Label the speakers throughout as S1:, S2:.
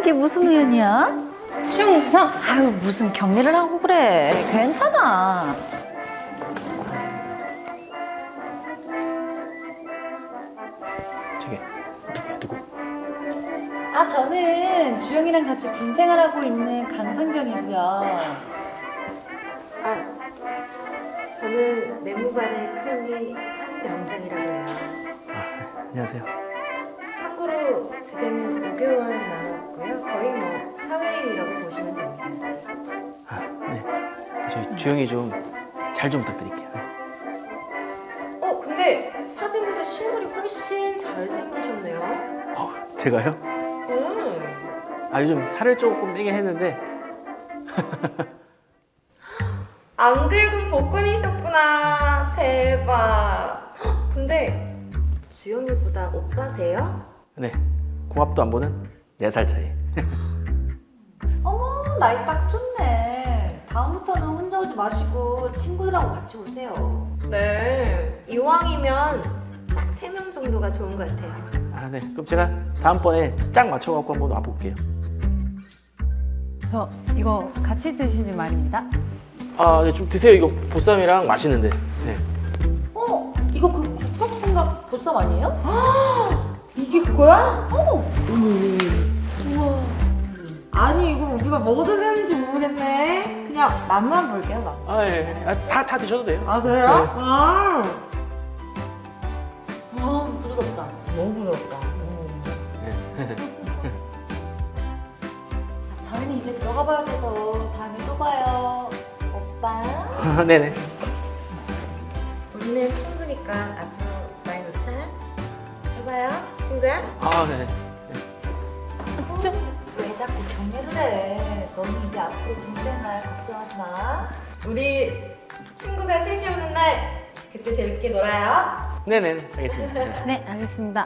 S1: 이게 무슨 우연이야? 충성! 아유, 무슨 격리를 하고 그래. 괜찮아.
S2: 저기 누구?
S1: 아, 저는 주영이랑 같이 군 생활하고 있는 강상병이고요.
S3: 아, 저는 내무반의 큰언니 한명장이라고 해요.
S2: 안녕하세요.
S3: 참고로 제대는 5개월 남았고요. 거의 뭐 사회인이라고 보시면 됩니다.
S2: 네. 저희 주영이 좀 잘 좀 부탁드릴게요.
S3: 근데 사진보다 실물이 훨씬 잘생기셨네요.
S2: 제가요?
S3: 음.
S2: 요즘 살을 조금 빼긴 했는데.
S3: 안 긁은 복근이셨구나. 대박. 근데 주영이보다 오빠세요?
S2: 네. 궁합도 안 보는 4살 차이.
S1: 어머, 나이 딱 좋네. 다음부터는 혼자 오지 마시고 친구들하고 같이 오세요.
S3: 네. 이왕이면 딱 3명 정도가 좋은 것 같아요.
S2: 네. 그럼 제가 다음번에 짝 맞춰갖고 한번 와볼게요.
S4: 저 이거 같이 드시지 말입니다.
S2: 네. 좀 드세요. 이거 보쌈이랑 맛있는데. 네.
S1: 이거 그 국밥생각 보쌈 아니에요? 이게 그거야? 우와. 아니, 이거 우리가 뭐가 되는지 모르겠네. 그냥 맛만 볼게요, 맛.
S2: 예. 다 드셔도 돼요.
S1: 아, 그래요?
S2: 네.
S1: 부드럽다. 너무 부드럽다. 저희는 이제 들어가 봐야 돼서 다음에 또 봐요. 오빠.
S2: 네네.
S3: 우리는 친구니까 앞으로 말 놓자. 해봐요, 친구야.
S2: 네네.
S1: 왜 자꾸 격려를 해? 너는 이제 앞으로 동생날 걱정하지 마.
S3: 우리 친구가 셋이 오는 날 그때 재밌게 놀아요.
S2: 네네. 알겠습니다. 네.
S4: 네, 알겠습니다.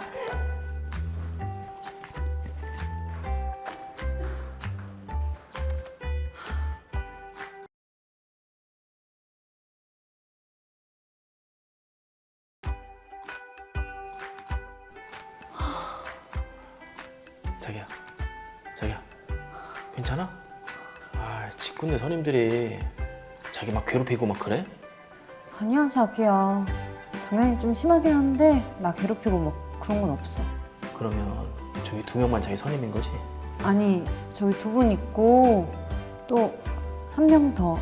S2: 자기야. 괜찮아? 직군대 선임들이 자기 막 괴롭히고 막 그래?
S4: 아니야, 자기야. 당연히 좀 심하긴 한데 나 괴롭히고 뭐 그런 건 없어.
S2: 그러면 저기 2명만 자기 선임인 거지?
S4: 아니, 저기 2분 있고 또 1명 더.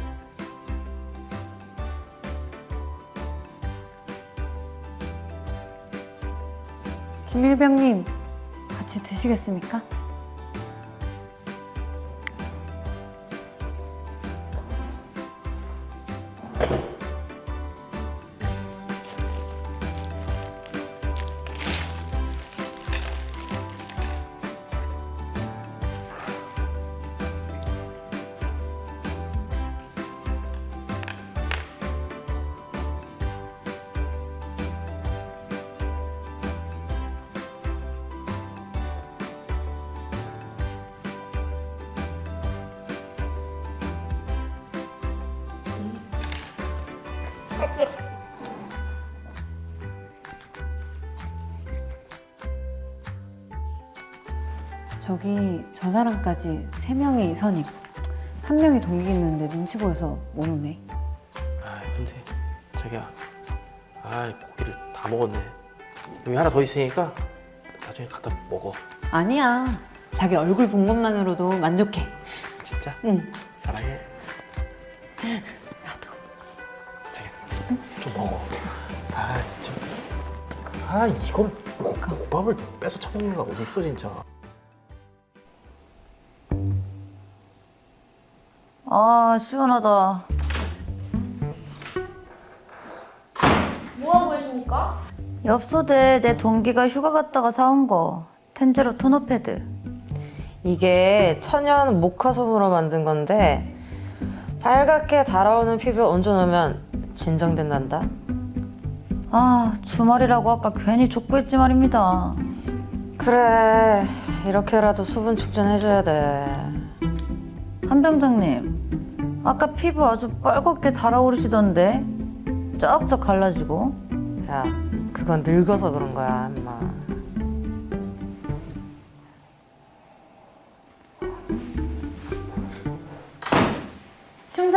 S4: 김일병님, 같이 드시겠습니까? 저기 저 사람까지 3명이 선임, 1명이 동기 있는데 눈치 보여서 못 오네.
S2: 근데 자기야, 고기를 다 먹었네. 여기 하나 더 있으니까 나중에 갖다 먹어.
S4: 아니야, 자기 얼굴 본 것만으로도 만족해.
S2: 진짜?
S4: 응.
S2: 사랑해.
S4: 나도.
S2: 자기야, 좀 먹어. 진짜. 이걸 국밥을 뺏어 처먹는 거 어디 있어 진짜.
S1: 시원하다.
S5: 뭐하고 계십니까?
S1: 엽소대 내 동기가 휴가 갔다가 사온 거. 텐제로 토너 패드.
S6: 이게 천연 모카솜으로 만든 건데 빨갛게 달아오는 피부에 얹어놓으면 진정된단다.
S1: 주말이라고 아까 괜히 족구했지 말입니다.
S6: 그래, 이렇게라도 수분 축전해줘야 돼.
S1: 한병장님, 아까 피부 아주 빨갛게 달아오르시던데 쫙쫙 갈라지고.
S6: 야, 그건 늙어서 그런 거야, 임마.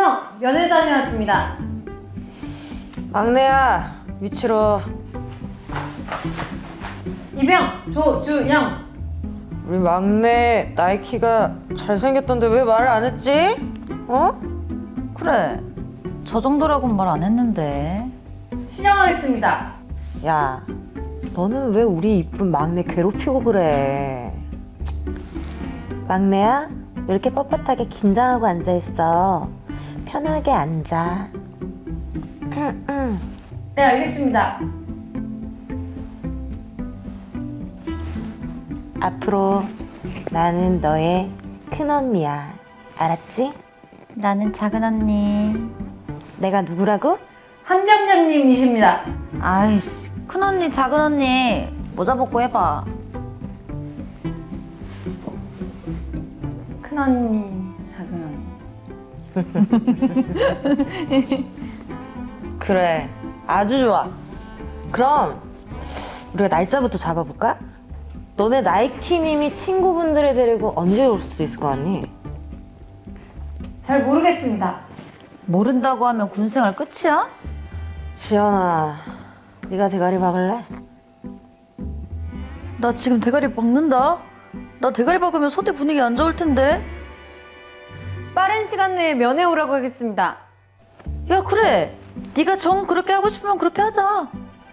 S4: 충성 면회 다녀왔습니다.
S6: 막내야, 위치로.
S4: 이병 조주영.
S6: 우리 막내 나이키가 잘생겼던데 왜 말을 안 했지? 어?
S1: 그래. 저 정도라고는 말 안 했는데.
S4: 신청하겠습니다.
S6: 야, 너는 왜 우리 이쁜 막내 괴롭히고 그래? 막내야, 왜 이렇게 뻣뻣하게 긴장하고 앉아있어? 편하게 앉아.
S4: 네, 알겠습니다.
S6: 앞으로 나는 너의 큰언니야. 알았지?
S1: 나는 작은 언니.
S6: 내가 누구라고?
S4: 한병장님이십니다.
S1: 아이씨, 큰 언니, 작은 언니. 모자 벗고 해봐.
S4: 큰 언니, 작은 언니.
S6: 그래, 아주 좋아. 그럼 우리가 날짜부터 잡아볼까? 너네 나이키님이 친구분들을 데리고 언제 올 수 있을 것 같니?
S4: 잘 모르겠습니다.
S1: 모른다고 하면 군생활 끝이야?
S6: 지연아, 네가 대가리 박을래?
S1: 나 지금 대가리 박는다. 나 대가리 박으면 소대 분위기 안 좋을 텐데.
S4: 빠른 시간 내에 면회 오라고 하겠습니다.
S1: 야, 그래. 네가 정 그렇게 하고 싶으면 그렇게 하자.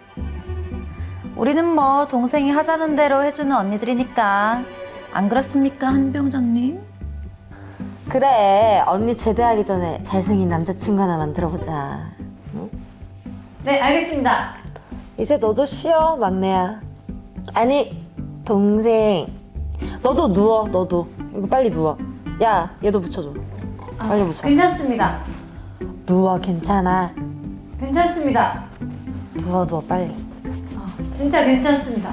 S1: 우리는 뭐 동생이 하자는 대로 해주는 언니들이니까. 안 그렇습니까, 한병장님?
S6: 그래, 언니 제대하기 전에 잘생긴 남자친구 하나 만들어보자.
S4: 네, 알겠습니다.
S6: 이제 너도 쉬어, 막내야. 아니, 동생. 너도 누워, 너도. 이거 빨리 누워. 야, 얘도 붙여줘. 빨리 붙여.
S4: 괜찮습니다.
S6: 누워, 괜찮아.
S4: 괜찮습니다.
S6: 누워, 누워, 빨리.
S4: 진짜 괜찮습니다.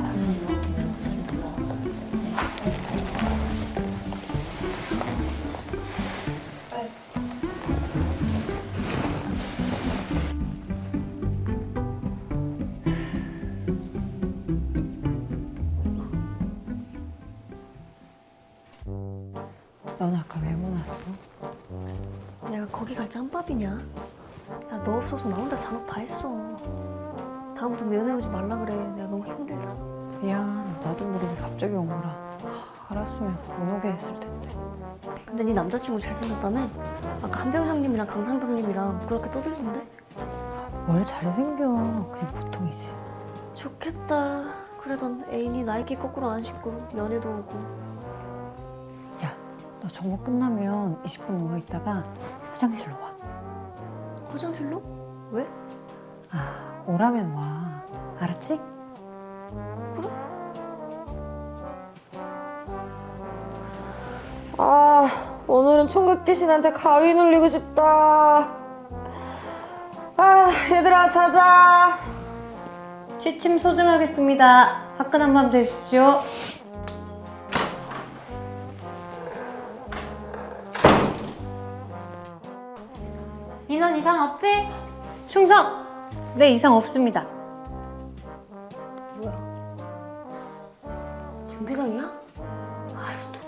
S4: 넌 아까 왜 못 왔어?
S5: 내가 거기 갈 짬밥이냐? 야, 너 없어서 나 혼자 잔업 다 했어. 다음부터 면회 오지 말라 그래. 내가 너무 힘들다.
S4: 미안, 나도 모르게 갑자기 온 거라. 알았으면 못 오게 했을 텐데.
S5: 근데 네 남자친구 잘생겼다며? 아까 한병장님이랑 강상병님이랑 그렇게 떠들던데?
S4: 뭘 잘생겨. 그냥 보통이지.
S5: 좋겠다. 그래도 애인이 나이키 거꾸로 안 신고 면회도 오고.
S4: 야, 너 정모 끝나면 20분 누워 있다가 화장실로 와.
S5: 화장실로? 왜?
S4: 아, 오라면 와. 알았지?
S6: 아, 오늘은 총각 귀신한테 가위 눌리고 싶다. 아, 얘들아, 자자.
S4: 취침 소등하겠습니다. 화끈한 밤 되십시오. 인원 이상 없지? 충성! 네, 이상 없습니다.
S5: 중대장이야? 아이씨, 또